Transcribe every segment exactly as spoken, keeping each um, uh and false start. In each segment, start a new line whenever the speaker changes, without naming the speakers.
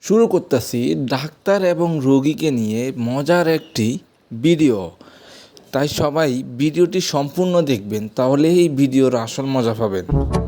শুরু করতেছি ডাক্তার এবং রোগীকে নিয়ে মজার একটি ভিডিও। তাই সবাই ভিডিওটি সম্পূর্ণ দেখবেন, তাহলে এই ভিডিওর আসল মজা পাবেন।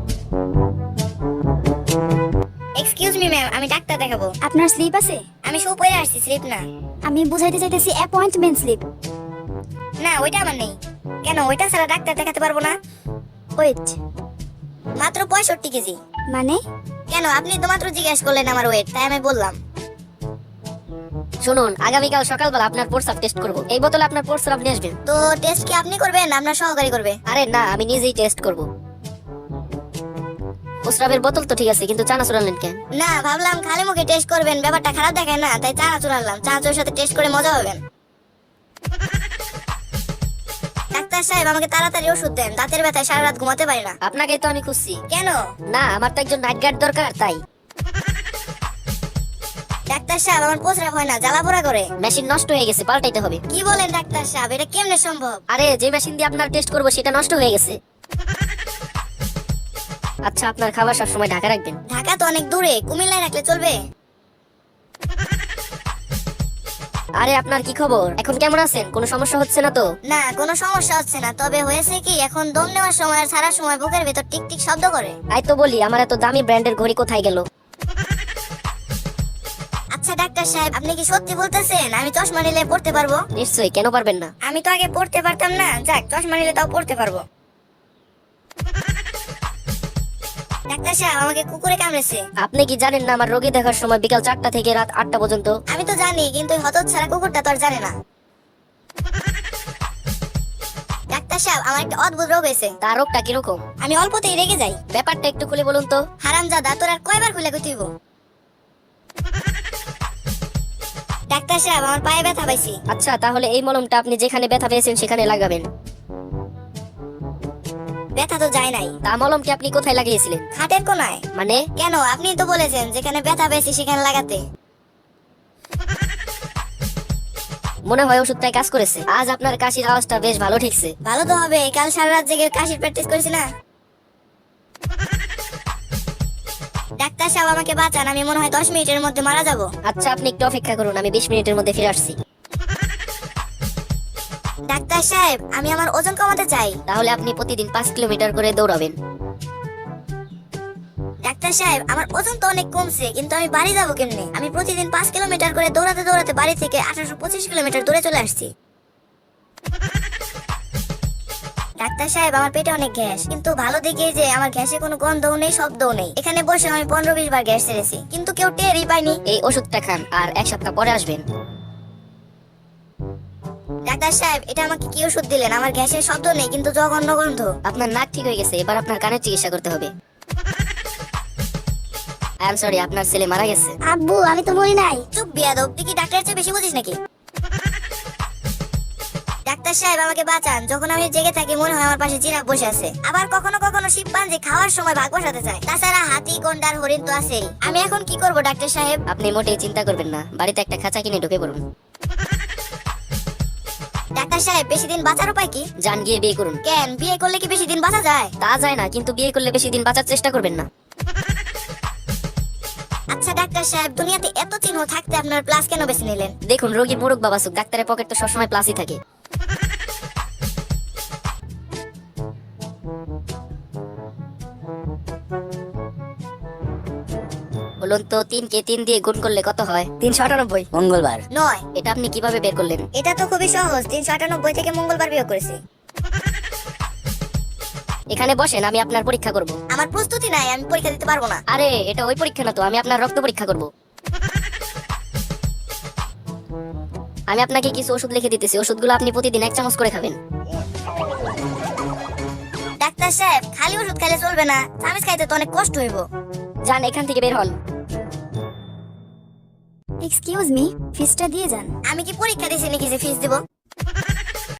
এক্সকিউজ মি ম্যাম, আমি ডাক্তার দেখাবো।
আপনার স্লিপ আছে?
আমি শু পরে আসছি, স্লিপ না।
আমি বুঝাইতে চাইতেছি অ্যাপয়েন্টমেন্ট স্লিপ।
না, ওইটা আমার নেই। কেন, ওইটা ছাড়া ডাক্তার দেখাতে পারবো না?
ওয়েট,
মাত্র পঁয়ষট্টি কেজি।
মানে?
কেন, আপনি তো মাত্র জিজ্ঞেস করলেন আমার ওয়েট, তাই আমি বললাম।
শুনুন, আগামীকাল সকালবেলা আপনার প্রস্রাব টেস্ট করব। এই বোতলে আপনার প্রস্রাব নিয়ে আসবেন।
তো টেস্ট কি আপনি করবেন না আপনার সহকারী করবে?
আরে না, আমি নিজেই টেস্ট করব। প্রস্রাবের বোতল তো ঠিক আছে, কিন্তু চানা চুরালেন কেন?
না, ভাবলাম খালি মুখে টেস্ট করবেন, ব্যাপারটা খারাপ দেখায় না, তাই চা চুরালাম। চা চোর সাথে টেস্ট করে মজা পাবেন। ডাক্তার সাহেব, আমাকে তাড়াতাড়ি ওষুধ দেন, দাঁতের ব্যথায় সারা রাত ঘুমাতে পারি না।
আপনাকেই তো আমি খুঁজছি।
কেন?
না, আমার তো একজন নাইট গার্ড দরকার, তাই।
ডাক্তার সাহেব, আমার প্রস্রাব হয় না, জ্বালা পোড়া করে।
মেশিন নষ্ট হয়ে গেছে, পাল্টাইতে হবে।
কি বলেন ডাক্তার সাহেব, এটা কেমনে সম্ভব?
আরে, যে মেশিন দিয়ে আপনার টেস্ট করব সেটা নষ্ট হয়ে গেছে। আচ্ছা, আপনার খাবার সব সময় ঢাকা রাখবেন।
ঢাকা তো অনেক দূরে, কুমিল্লায় রাখলে চলবে?
আরে, আপনার কি খবর? এখন কেমন আছেন? কোনো সমস্যা হচ্ছে না তো?
না, কোনো সমস্যা হচ্ছে না, তবে হয়েছে কি, এখন দম নেওয়ার সময় আর সারা সময় বুকের ভেতর টিক টিক শব্দ করে।
তাই তো বলি, আমার এত দামি ব্র্যান্ডের ঘড়ি কোথায় গেল?
আচ্ছা ডাক্তার সাহেব, আপনি কি সত্যি বলতেছেন আমি চশমা নিলে পড়তে পারবো?
নিশ্চয়ই, কেন পারবেন না?
আমি তো আগে পড়তে পারতাম না, যাক, চশমা নিলে তাও পড়তে পারবো। ডাক্তার সাহেব, আমাকে কুকুরে কামড়েছে।
আপনি কি জানেন না আমার রোগী দেখার সময় বিকাল চারটা থেকে রাত আটটা পর্যন্ত?
আমি তো জানি, কিন্তু ওই হতচ্ছাড়া কুকুরটা তো আর জানে না। ডাক্তার সাহেব, আমার একটা অদ্ভুত রোগ হয়েছে।
তার রোগটা কিরকম?
আমি অল্পতেই রেগে যাই।
ব্যাপারটা একটু খুলে বলুন তো।
হারামজাদা, তোর আর কয়বার খুলে কইতেইব? ডাক্তার সাহেব, আমার পায়ে ব্যথা পাইছি।
আচ্ছা, তাহলে এই মলমটা আপনি যেখানে ব্যথা পেয়েছেন সেখানে লাগাবেন।
ব্যথা তো যায় নাই।
তা মলমটি আপনি কোথায় লাগিয়েছিলেন?
খাটের কোনায়।
মানে?
কেন, আপনি তো বলেছেন যেখানে ব্যথা পেয়েছি সেখানে লাগাতে।
মনে হয় ওষুধটাই কাজ করেছে। আজ আপনার কাশির আওয়াজটা বেশ ভালো ঠিকছে।
ভালো তো হবে, কাল সারা রাত জেগে কাশির প্র্যাকটিস করেছি না। ডাক্তার সাহেব, আমাকে বাঁচান, আমি মনে হয় দশ মিনিটের মধ্যে মারা যাব।
আচ্ছা, আপনি একটু অপেক্ষা করুন, আমি বিশ মিনিটের মধ্যে ফিরে আসছি।
ডাক্তার সাহেব, আমি আমার ওজন কমাতে চাই।
তাহলে আপনি প্রতিদিন পাঁচ কিলোমিটার করে দৌড়াবেন।
ডাক্তার সাহেব, আমার ওজন তো অনেক কমছে, কিন্তু আমি বাড়ি যাবো কেমনে? আমি প্রতিদিন পাঁচ কিলোমিটার করে দৌড়াতে দৌড়াতে বাড়ি থেকে আঠারোশো পঁচিশ কিলোমিটার দূরে চলে আসছি। ডাক্তার সাহেব, আমার পেটে অনেক গ্যাস, কিন্তু ভালো দিকে যে আমার গ্যাসে কোনো গন্ধও নেই, শব্দও নেই। এখানে বসে আমি পনেরো বিশ বার গ্যাস ছেড়েছি, কিন্তু কেউ টেরই পায়নি।
এই ওষুধটা খান, আর এক সপ্তাহ পরে আসবেন।
ডাক্তার সাহেব, এটা আমাকে কি ওষুধ দিলেন? আমার গ্যাসের শব্দ নেই, কিন্তু জঘন্য গন্ধ।
আপনার নাক ঠিক হয়ে গেছে, এবার আপনার কানের চিকিৎসা করতে হবে। আই এম সরি, আপনার ছেলে মারা গেছে।
আব্বু, আমি তো মরি নাই। চুপ বিয়াদব, তুই কি ডাক্তারের চেয়ে বেশি বুঝিস নাকি? ডাক্তার সাহেব, আমাকে বাঁচান, যখন আমি জেগে থাকি মনে হয় আমার পাশে জিরাফ বসে আছে। আবার কখনো কখনো শিম্পাঞ্জি খাওয়ার সময় ভাগ বসাতে চায়। তাছাড়া হাতি, গন্ডার, হরিণ তো আছেই। আমি এখন কি করব ডাক্তার সাহেব?
আপনি মোটেই চিন্তা করবেন না, বাড়িতে একটা খাঁচা কিনে ঢুকে পড়ুন।
ডাক্তার সাহেব, বেশি দিন বাঁচার উপায় কি?
যান, গিয়ে বিয়ে করুন।
কেন, বিয়ে করলে কি বেশি দিন বাঁচা যায়?
তা যায় না, কিন্তু বিয়ে করলে বেশি দিন বাঁচার চেষ্টা করবেন না।
আচ্ছা ডাক্তার সাহেব, দুনিয়াতে এত চিহ্ন থাকতে আপনার প্লাস কেন বেছে নিলেন?
দেখুন, রোগীর মুরুখ বাবাসুক, ডাক্তারের পকেট তো সবসময় প্লাসই থাকে। বলুন তো, তিন কে তিন দিয়ে গুণ করলে কত হয়? তিনশো আটানব্বই। মঙ্গলবার।
নয়।
এটা আপনি কিভাবে বের করলেন?
এটা তো খুবই সহজ, তিনশো আটানব্বই থেকে মঙ্গলবার বিয়োগ করেছি।
এখানে বসেন, আমি আপনার পরীক্ষা করব।
আমার প্রস্তুতি নাই, আমি পরীক্ষা দিতে পারবো না।
আরে, এটা ওই পরীক্ষা না তো, আমি আপনার রক্ত পরীক্ষা করব। আমি আপনাকে কিছু ওষুধ লিখে দিতেছি, ওষুধগুলো আপনি প্রতিদিন এক চামচ করে খাবেন।
ডাক্তার সাহেব, খালি ওষুধ খাইলে চলবে না, চামিচ খাইতে তো অনেক কষ্ট হইব।
যান, এখান থেকে বের হন।
এক্সকিউজ মি, ফিসটা দিয়ে যান।
আমি কি পরীক্ষা দিছি নাকি যে ফিস দিব?